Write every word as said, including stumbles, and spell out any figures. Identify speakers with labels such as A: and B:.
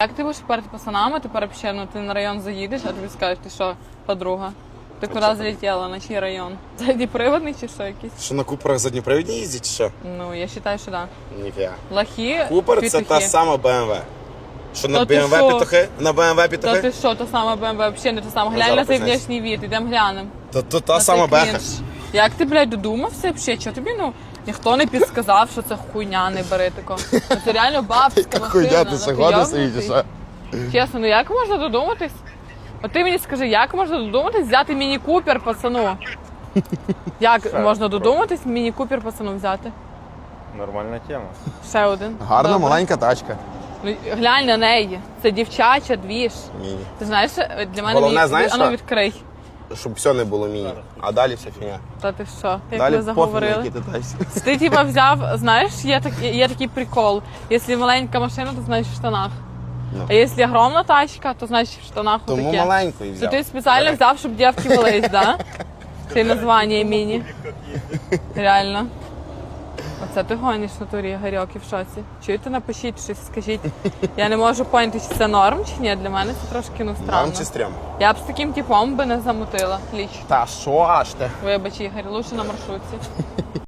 A: Як ти будеш перед пацанами, тепер взагалі, ну, ти на район заїдеш, а тобі скажуть, ти що, подруга? Ти куди залетіла, на чий район? Задніприводний чи що якийсь?
B: Що на Куперах задніпривідні їздять, чи що?
A: Ну, я вважаю, що так.
B: Ніфіга.
A: Лохи,
B: Купер це та сама Б М В. Що на
A: Та
B: Б
A: ти
B: М В
A: що?
B: петухи? На Б М В
A: Та
B: петухи?
A: ти що, та сама Б М В, взагалі не та сама.
B: Ну,
A: Глянь на
B: зараз
A: цей
B: признайся.
A: внешній від, ідемо глянемо.
B: То, то та
A: На
B: сама
A: цей
B: Беха.
A: крінж. Як ти, блядь, додумався взагалі? Чого тобі, ну, ніхто не підсказав, що це хуйня, не бери тако. Ну, це реально бабська машина.
B: Хуйня, ти
A: ну,
B: ще года
A: йобнутий.
B: стоїть, що?
A: Чесно, ну як можна додуматись? От ти мені скажи, як можна додуматись взяти міні-купер пацану? Як можна додуматись міні-купер пацану взяти?
C: Нормальна тема.
A: Ще один.
B: Гарна
A: Добре.
B: маленька тачка.
A: Ну, глянь на неї. Це дівчача, двіж.
B: Міні.
A: Ти знаєш, для мене
B: Головне,
A: міні-
B: знаєш
A: а ну
B: що?
A: відкрий.
B: Щоб все не було міні. А далі вся фігня.
A: Та ти що? Як
B: Далі
A: ви
B: пофіг, на
A: заговорили?
B: які ти тачці.
A: Ти типа взяв, знаєш, є, так, є такий прикол. Якщо маленька машина, то значить в штанах.
B: Ну.
A: А якщо огромна тачка, то значить в штанах
B: Тому
A: отаке.
B: маленьку і
A: То
B: взяв.
A: ти спеціально взяв, щоб дівки велись, да? Це названня міні. Реально. Оце ти гониш в натурі, Гарьок, і в шоці. Чуєте, напишіть щось, скажіть. Я не можу поняти, чи це норм, чи ні. Для мене це трошки, ну, странно.
B: Нам чи стрьом?
A: Я б з таким типом би не замутила ліч.
B: Та що аж ти?
A: Вибач, Ігор, лучше на маршрутці.